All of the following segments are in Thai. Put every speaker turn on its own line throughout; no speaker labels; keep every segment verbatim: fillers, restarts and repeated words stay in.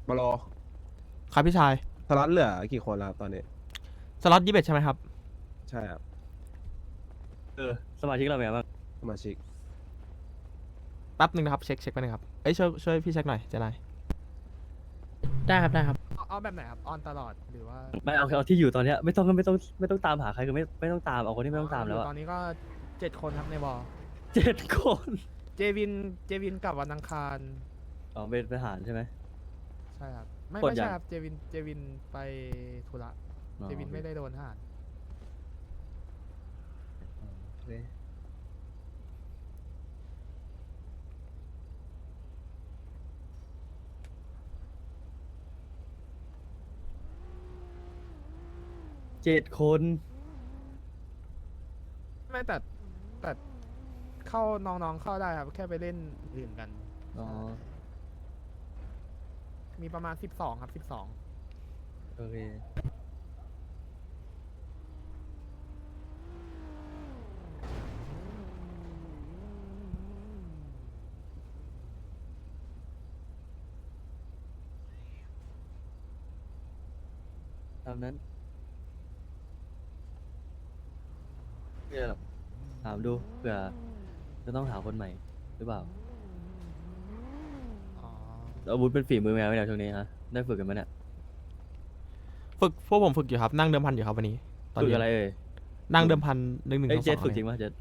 มาโล
ครับพี่ชาย
สล็อตเหลือกี่คนแล้วครับตอนนี้
สล็อตยี่สิบเอ็ดใช่ไหมครับ
ใช่ครับ
เออสมาชิกเราเป็นไงบ้าง
สมาชิก
แป๊บหนึ่งนะครับ เช็คเช็คไปหนึ่งครับ เอ้ยช่วยช่วยพี่เช็คหน่อยเจนาย
ได้ครับได้ครับ
เอาเอาแบบไหนครับ ออนตลอดหรือว่า
ไม่เอาเอาที่อยู่ตอนเนี้ยไม่ต้องไม่ต้องไม่ต้องตามหาใครคือไม่ไม่ต้องตามเอาคนที่ไม่ต้องตามแล้ว
ยู่
อะ
ตอนนี้ก็เจ็ดคนครับในวอล
เจ็ดคน
เจวินเจวินกลับวันอังคาร
อ๋อเป็นทหารใช่ไหม
ใช่ครับ ไม่
กด
ไม่
ยัง
ใช่ครับ เจวินเจวินไปธุระ
อ๋อ
เจวินไม่ได้โดนทหาร
โอเคเจ็ดคน
ไม่แต่แต่เข้าน้องๆเข้าได้ครับ แค่ไปเล่นอื่นกัน
อ๋อ
มีประมาณสิบสองครับสิบสอง
โอเคตามนั้นไม่เป็นไรหรอกถามดูเผื่อจะต้องหาคนใหม่หรือเปล่า
อ๋อ
อาวุธเป็นฝีมือแมวไหมเนี่ยช่วงนี้ฮะได้ฝึกกันไหมเนี่ย
ฝึกพวกผมฝึกอยู่ครับ นั่งเดิมพันอยู่ครับวันนี้ ตอน
ฝึก
นี้
อะไรเอ่ย
นั่งเดิมพันหนึ่งหนึ่ง
เอ้ย
สอง
เจ็ด
สอง
ฝึกจริงป่ะเจ็ด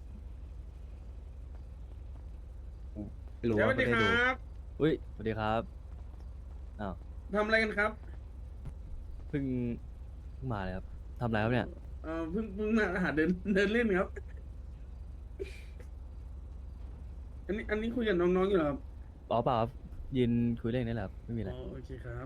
ไม่รู้
ส
ว่า
วัส
ไม่
ดี
ได้
ค
ดู
รับ
อุ้ยสวัสดีครับอ้าว
ทำอะไรกันครับ
เพิ่งเพิ่งมาเลยครับทำอะไรครับเนี่ย
เอ่อเพิ่งเพิ่งมาหาเดินเดินเล่นครับ อันนี้อันนี้คุยกับน้องๆอยู่เหรอครับ
อ๋อเปล่าครับยืนคุยเรื่องนี้แหละครับไม่มีอะไร
อ๋อโอเคครับ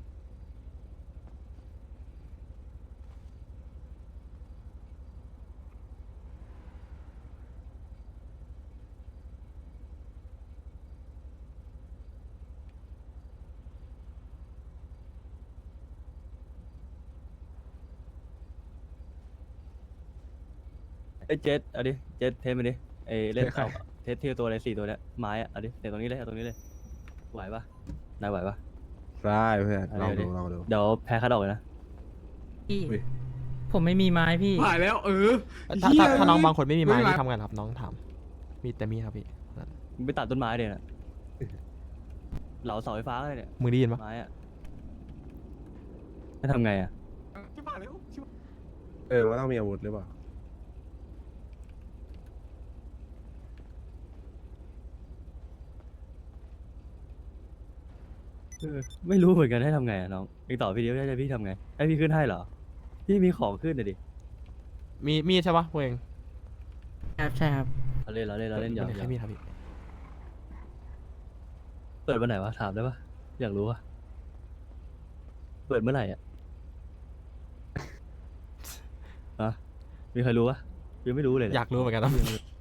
เอ้ยเจ็ดเอาดิเจ็ดเทสมาดิเอ้ยเล่นเอาเทสเทียตัวอะไรสี่ตัวเนี้ยไม้อะเอาดิเตะตรงนี้เลยเอาตรงนี้เลยไหวปะนายไหวปะ
ได้เพื่อน
เอา
ลอง
ดิ
ดูลองดู
เดี๋ยวแพ้คัดออกเลยนะ
พี่
อุ้ย
ผมไม่มีไม้พี่
ผ่านแล้วเออ
ถ้า
เหี้
ถ้าย ถ้าน้องบางคนไม่มีไม้
ไม่เป็นไร
ที่ทำกันครับน้องถาม มีแต่มีดครับพี่
มึงไปตัดต้นไม้เดี๋ยวนะเหลาเสาไฟฟ้าเลยเนี่ย
มึงได้ยินปะ
ไม้อะจะทำไงอะ
ที่ผ่านแล้ว
เออว่าต้องมีอาวุธหรือเปล่า
เออไม่รู้เหมือนกันให้ทำไงอะน้องเองตอบพี่เดียวจะพี่ทำไงให้พี่ขึ้นให้เหรอพี่มีของขึ้นเลยดิ
มีมีดใช่ปะพวกเอง
ครับใช่ครับ
เราเล่นเราเล่นเราเล่นหยอก
ไม่
หย
ใช่
อก
มีดครับพี่
เปิดวันไหนวะถามได้ปะอยากรู้วะเปิดเมื่อไหร่อ่ะ ฮะมีใครรู้ปะยังไม่รู้เลยเนี่
อยากรู้เหมือนกันครับ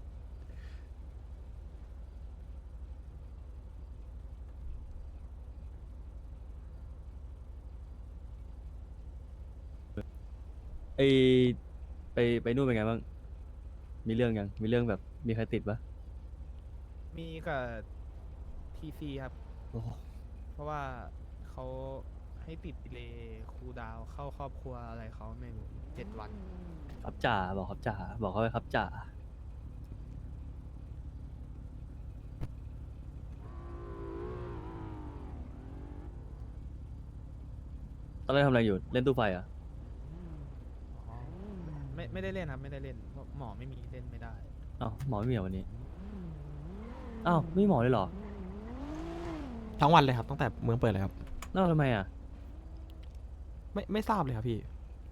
ไอไปไปนู่นเป็นไงบ้างมีเรื่องยังมีเรื่องแบบมีใครติดปะ
มีกับทีซีครับ
โอ้โห
เพราะว่าเขาให้ติดดีเลย์คูลดาวน์เข้าครอบครัวอะไรเขาไม่รู้เจ็ดวัน
ครับจ่าบอกครับจ่าบอกเขาไปครับจ่าตอนแรกทำอะไรอยู่เล่นตู้ไฟเหรอ่ะ
อ๋อ ไม่ไม่ได้เล่นครับ ไม่ได้เล่นเพราะหมอไม่มีเล่นไม่ได้
อ้าวหมอไม่มีเหรอวันนี้อ้าวไม่มีหมอเลยเหรอ
ทั้งวันเลยครับตั้งแต่เมืองเปิดเลยครับ
แล้วทำไมอ่ะ
ไม่ไม่ทราบเลยครับพี่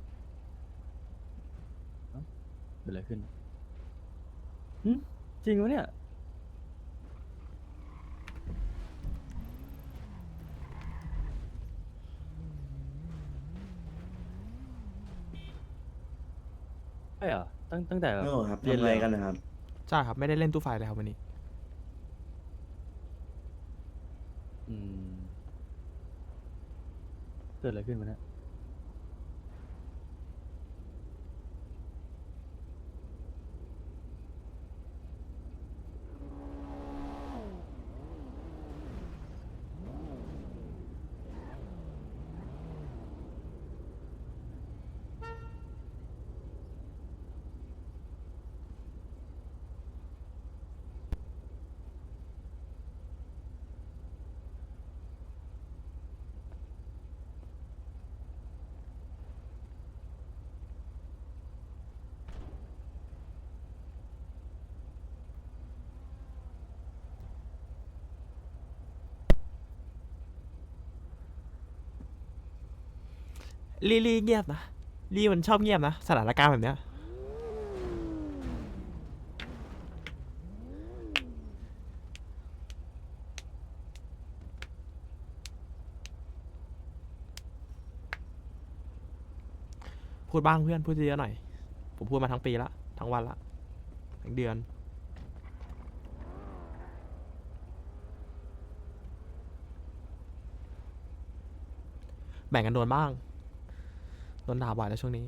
เกิดอะไรขึ้นหึจริงวะเนี่ย ใช่เหรอ ตั้งตั้งแต่แบบ
โอ้ครับ
เรียน
ทำอะไร
เลย
กันนะครับ
ใช่ครับ ไม่ได้เล่นตู้ไฟเลยครับวันนี้
อืมเกิดอะไรขึ้นวะเนี่ย
ลี่ลี่เงียบนะลี่มันชอบเงียบนะสถานการณ์แบบเนี้ยพูดบ้างเพื่อนพูดเยอะๆหน่อยผมพูดมาทั้งปีละทั้งวันละทั้งเดือนแบ่งกันโดนบ้างโดนด่าบ่อยแล้วช่วงนี้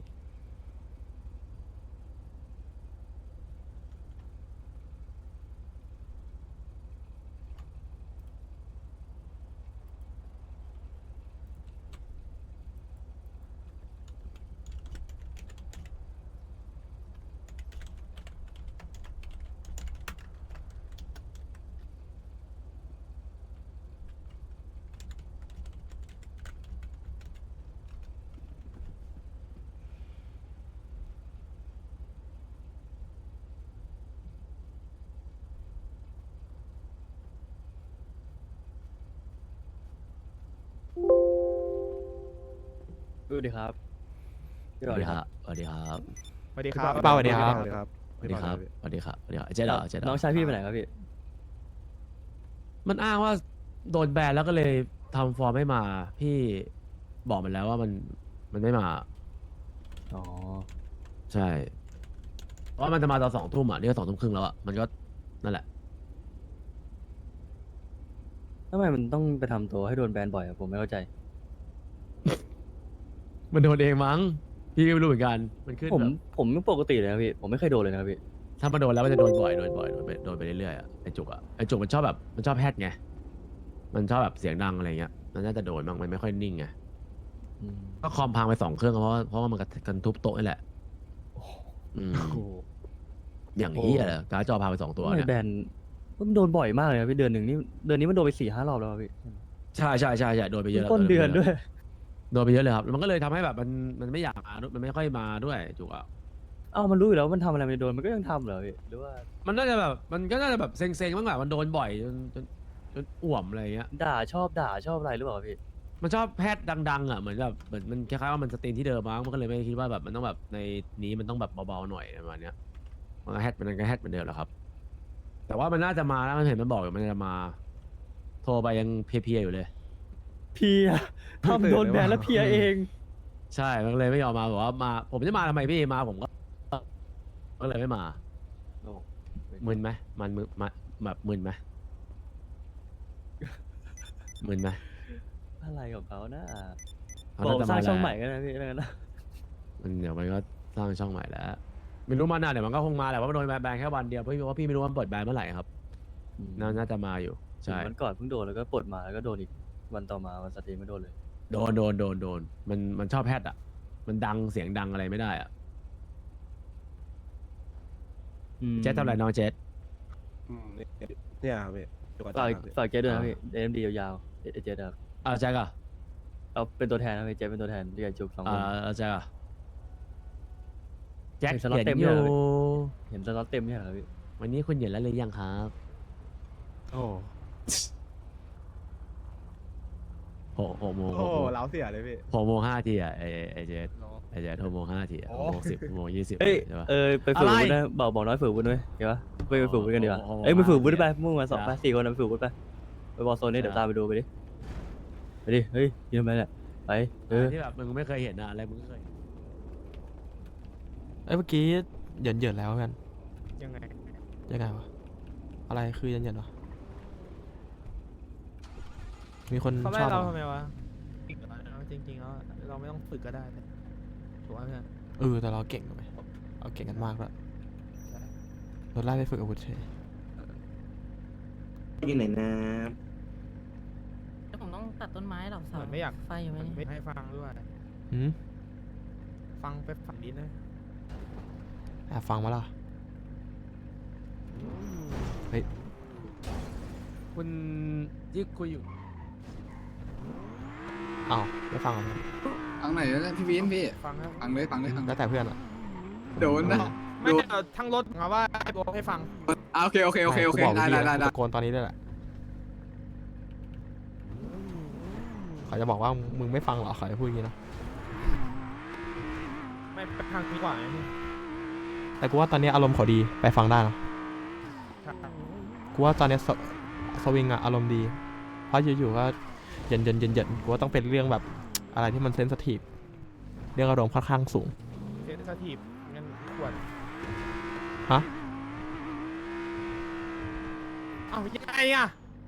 สวัสดีครับ
สวัสดีครับสวัสดีครับ
สวัสดีครับ
พี่เปาสวัสดีครับ
สวัสดีครับ
สวัสดีครับสวัสดีครับสวัสดีครับเจ๊ดอกเจ๊ดอก
น้องชายพี่ไปไหนครับพี่
มันอ้างว่าโดนแบนแล้วก็เลยทำฟอร์มไม่มา พี่บอกมันแล้วว่ามันมันไม่มา
อ๋อ
ใช่เพราะว่ามันจะมาตอนสองทุ่มอ่ะนี่ก็สองทุ่มครึ่งแล้วอ่ะมันก็นั่นแหละ
ทำไมมันต้องไปทำตัวให้โดนแบนบ่อยอะผมไม่เข้าใจ
มันโดนเองมั้งพี่ก็ไม่รู้เหมือนกันมันขึ้น
ผม
แบบ
ผมไม่ปกติเลยนะพี่ ผมไม่เคยโดนเลยนะครับพี่
ถ้ามันโดนแล้วมันจะโดนบ่อยโดนบ่อยโดนไปโดนไปเรื่อยๆอ่ะไอจุกอ่ะไอจุกมันชอบแบบมันชอบแฮดไงมันชอบแบบเสียงดังอะไรเงี้ยมันน่าจะโดนบ้างมันไม่ค่อยนิ่งไง
อืม
ก็คอมพังไปสองเครื่องเพราะว่าเพราะว่ามันกันทุบโต๊ะนี่แหละอืม
โอ้โห
อย่างนี้ยเหรอการ์ดจอพาไปสองตัว
ทำไม
เนี่ย
แบนมันโดนบ่อยมากเลยนะพี่เดือนหนึ่งนี่เดือนนี้มันโดนไปสี่ห้ารอบแล้วอะพี่
ใช่ใช่ใช่ใช่โดนไปเยอะแล้ว
ต้นเดือนด้วย
โดนไปเยอะเลยครับแล้วมันก็เลยทำให้แบบมันมันไม่อยากมาด้วยมันไม่ค่อยมาด้วยจุกอ่ะ
เอ้ามันรู้อยู่แล้วว่ามันทำอะไรมันโดนมันก็ยังทำเหรอพี่หรือว่า
มันน่าจะแบบมันก็น่าจะแบบเซ็งๆบ้างแหละมันโดนบ่อยจนจนจนอ่วมอะไรเงี้ย
ด่าชอบด่าชอบอะไรหรือเปล่าพี่
มันชอบแพทย์ดังๆอ่ะเหมือนแบบเหมือนมันคล้ายๆว่ามันสตรีนที่เดิมมั้งมันก็เลยไม่คิดว่าแบบมันต้องแบบในนี้มันต้องแบบเบาๆหน่อยประมาณเนี้ยมันก็แฮทมันก็แฮทเหมือนเดิมแหละครับ แต่ว่ามันน่าจะมาแล้วมันเห็นมันบอกอยู่มันจะมา โทรไปยังเพลียๆอยู่เลย
เพียทำโดนแบนแล้วเพียเอง
ใช่มันเลยไม่ยอมมาบอกว่ามา ผมจะมาทำไมพี่มาผมก็ก็เลยไม่มา
โอ้
มึนไหมมันมึนมาแบบมึนไหมมึนไหม
อะไรของเขานะ
เขา
บอก
น่าจะ
สร้าง
มา
ช่องให
แล้ว
ม่กันนะพี่แล้วกันนะ
มันเดี๋ยวมันก็สร้างช่องใหม่แล้วไม่รู้มาหน้าเดี๋ยวมันก็คงมาแหละว่ามันโดนแบนแค่วันเดียวเพราะว่าพี่ไม่รู้ว่ามันเปิดแบนเมื่อไหร่ครับน่าน่าจะมาอยู่ใช่
วันก่อนเพิ่งโดนแล้วก็ปลดมาแล้วก็โดนอีกวันต่อมาวันสตรีมไม่โดนเลย
โดนโดนโดนโดนมันมันชอบแพทย์อ่ะ มันดังเสียงดังอะไรไม่ได้อ่ะเจสทำอะไรน้องเจส
อืมเนี่ยครับพี่อยู่กับ
ฝาก
จ้าครับพี่
ฝากเจ๊ด้วยนะ
อ่า
พี่เอ็มดียาวๆเอเจครับ
อ่าแจ็คอ่ะ
เอาเป็นตัวแทนนะพี่เจ๊เป็นตัวแทนเรียกจุกสองค
อ่าน แจ็คอ่ะแจ็ค
เห็นสล็อต
เห็น
เต็ม
อ
เลย
ยู่
เหรอพี่ เห็นสล็อตเต็มเนี่ยเหรอพี่
วันนี้คุณเห็นแล้วหรือยังครับ
โอ้
หกหกโมง
โห
หกโมง
เล้าเสียเลยพี่
หกโมงห้าทีอ่ะไอไอเจส
เนาะ
ไอเจสหกโมงห้าทีอ่ะ
โอ้
หกโมงสิบหกโมงยี่สิบ
เอ้ย
ใช่ปะ
เออไปฝึก
อะไร
วุฒินะบอกบอกน้อยฝึกวุฒิด้วยเห็นปะไปไปฝึกวุฒิกันดีกว่า
โอ้โห
เอ้ยไปฝึกวุฒิไปมุ่งมาสอง
จ้ะ
ไปสี่คนนะไปฝึกวุฒิไปไปบอลโซนนี่เดี๋ยว
จ้ะ
ตามไปดูไปดิไปดิเฮ้ยยืนไปเนี่ยไปเออ
ที่แบบมึงไม่เคยเห็นอะอะไรมึงก็เคย
เอ้ยเมื่อกี้เหยินเหยินๆแล้วเพื่อน
ยังไง
ยังไงวะอะไรคือเหยินเหยินๆวะมีคน
เขา
ช
ไล่
อบ
เรา
เหรอ
ทำไมวะเอาจริงๆแล้วเราไม่ต้องฝึกก็ได้นะถูกไหมเพื่อน
เออแต่เราเก่งถูกไหมเราเก่งกันมากแล้ว
ใช่
โดนไล่ไปฝึกอาวุธเฉย
อยู่ไหนนะ
แล้วผมต้องตัดต้นไม้หรอ
เห
เสา
มือนไม่อยาก
ไฟอยู่ไหม
เหมือน
เนี่ย
ไม่ให้ฟังด้วย
หืม
ฟังไปฝังดินนะ
แอบฟังมาล่ะเฮ้ย
คุณที่คุยอยู่
อ้าวไม่ฟังเหรอเพื่อน
ฟังไหนแล้วพี่วินพี่
ฟังครับ
ฟังเลยฟังเลยฟังเล
แล้
ยว
แต่เพื่อนอ่ะ
โดนนะ
ไม่
ดู
เอาทั้งรถมาว่าให้บอกให้ฟัง
อ่าโอเคโอเคโอเคโอเค
กูบอก
ได้
พี่
ได้
อะ
ได้
กู
ได้
ตะโกนตอนนี้ด้วยแหละเขาจะบอกว่ามึงไม่ฟังเหรอเขาจะพูดอย่างนี้นะ
ไม่ไปทางนี้กว่าไงพี่
แต่กูว่าตอนนี้อารมณ์เขาดีไปฟังได้นะกูว่าตอนนี้สสวิงอะอารมณ์ดี เพราะอยู่ๆก็เย็นเย็นเย็นเย็นกูว่าต้องเป็นเรื่องแบบอะไรที่มันเซนซิทีฟเรื่องอารมณ์ค่อนข้างสูง
เซนสทีฟงั้นขวด
ฮะ
เอ้ายังไงอะ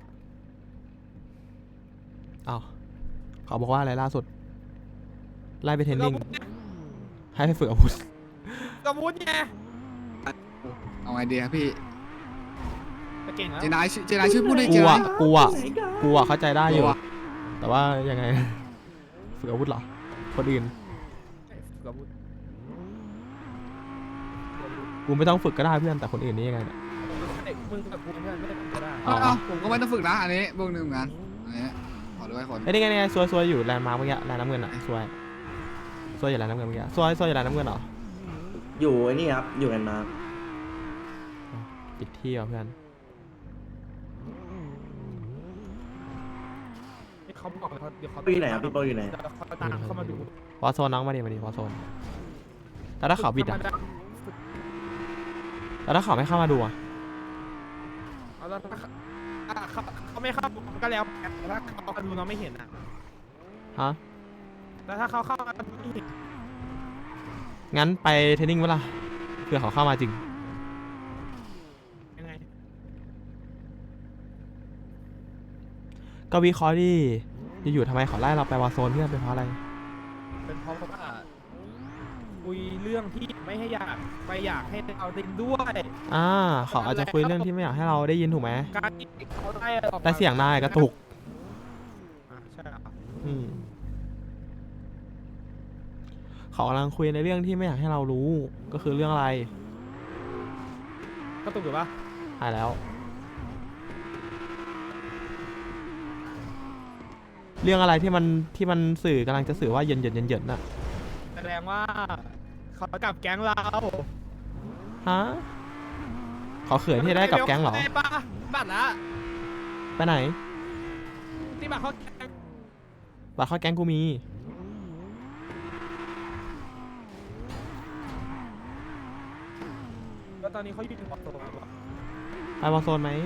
อ้าวเขาบอกว่าอะไรล่าสุด ไล่ไปเทรนนิ่ง ให้ไปฝึกอาวุธ
กระมุดไง
เอาไงดีครับพี่
จะเก่งแล้ว
เจนายชื่อเจนายชื่อพูดได้เจ
กู
นา
อะ
ย
กูอะกูอะเข้าใจได้อยู่
กูอะ
แต่ว่ายังไง ฝึกอาวุธเหรอ คนอื่น
กระมุด
กูไม่ต้องฝึกก็ได้เพื่อนแต่คนอื่นนี่ยังไงเนี่ย
เด็กมึงกับกูเพื่อนไม่ได้ก็ได้
อ๋อ
เอ้าผมก็ไม่ต้องฝึกนะอันนี้บวกหนึ่งเหมือนกันอันนี้ขอด้วยคน
ไอ้ยนี่ไงนี่ไงซวยซวยอยู่แลนด์มาร์กเมื่อกี้แลนด์น้ำเงินอะซวยซวยอยู่แลนด์น้ำเงินเมื่อกี้ซวยซวยอยู่แลนด์น้ำเงินเหรอ
อยู่ไอ้นี่ครับ อยู่กันมา
ปิดที่เหรอเพื่อน
เขาบอกเลยเขาเดี๋ยวเขา
พี่อยู่ไหนครับพี่โป้อยู่ไหน
เดี๋ยวเขาตามเข้ามาดู
วอโซนน้องมาดิมาดิวอโซนแต่ถ้าเขาบิดอะแต่ถ้าเขาไม่เข้ามาดูอะ
เอาแล้วถ้าอ่ะเขาเขาไม่เข้าก็แล้วแต่ถ้าเขามาดูเราไม่เห็นอ่ะ
ฮะ
แล้วถ้าเขาเข้ามาดูไม่เห็น
งั้นไปเทรนนิ่งเวล่ะเผื่อเขาเข้ามาจริง
ยังไง
ก็วิเคราะห์ดิอยู่ๆทำไมเขาไล่เราไปวอโซนเพื่อนเป็นเพราะอะไร
เป็นเพราะว่าคุยเรื่องที่ไม่ให้อยากไปอยากให้เราเล่นด้วย
อ่าเขาอาจจะคุยเรื่องที่ไม่อยากให้เราได้ยินถูกไหม
การที่เขาไล่ออกมา
แต่เสียงนายกระตุก
อ่ะใช่เหรอ
อืมเขากำลังคุยในเรื่องที่ไม่อยากให้เรารู้ ก็คือเรื่องอะไร
กระตุกหรือปะ
หายแล้ว เรื่องอะไรที่มันที่มันสื่อกำลังจะสื่อว่าเย็นเย็นเย็นเย็นน่ะ
แสดงว่าเขากลับแก๊งเรา
ฮะเขาเขินที่ได้กับแก๊งเหรอ
ได้ปะบัตรละ
ไปไหน
ที่บัตรเขาแก๊ง
บัตรเข้าแก๊งกูมี
แล้วตอนนี้เขาอยู่ในวอลโซน
ไปวอลโซนไหม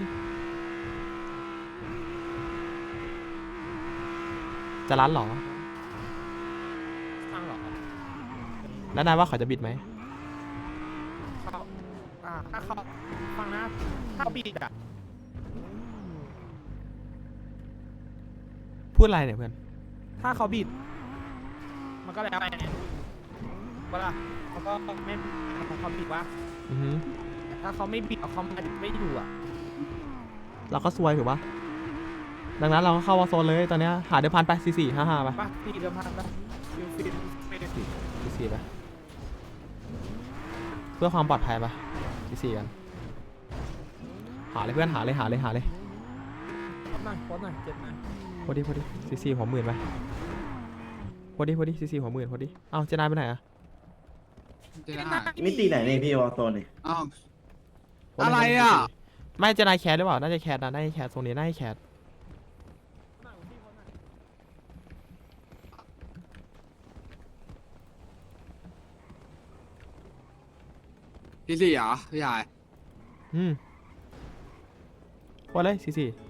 จะรันเหรอ
สร้างเหรอ
แล้วนายว่าเขาจะบิดไหม
เขาอ่าถ้าเขาฟังนะถ้าเขาบีดอ่ะ
พูดอะไรเนี่ยเพื่อน
ถ้าเขาบีดมันก็แล้วไปไงเวลาเขาก็ไม่เขาบีดว่า
อือฮึ
ถ้าเขาไม่บีดเขาไม่ไม่อยู่อ่ะ
เราก็ซวยถูกปะดังนั้นเราก็เข้าวอลโซนเลยตอนเนี้ยหาเดิมพันไปสี่สี่ห้าห้าไป
ป้าตีเดิมพันปะฟิลฟิลฟิล
สี่สี่ไปเพื่อความปลอดภัยไปสี่สี่กัน หาเลยเพื่อนหาเลยหาเลยหาเลย
โพสหน่อยโพสหน่อยเจ็ดหน่อย
พอดีพอดีสี่สี่หัวหมื่นไปพอดีพอดีสี่สี่หัวหมื่นพอดีเอ้าเจนายไปไหนอะ
เจนาย
มิติไหนนี่พี่วอลโซนนี่
อ้าว
พดี
อะไร
พดี
อ่ะ
ไม่เจนายแคสหรือเปล่าน่าจะแคสนะน่าจะแคสตรงนี้น่าจะแคส
พี่สี่เหรอพี่ชาย
อืมพอเลยสี่สี่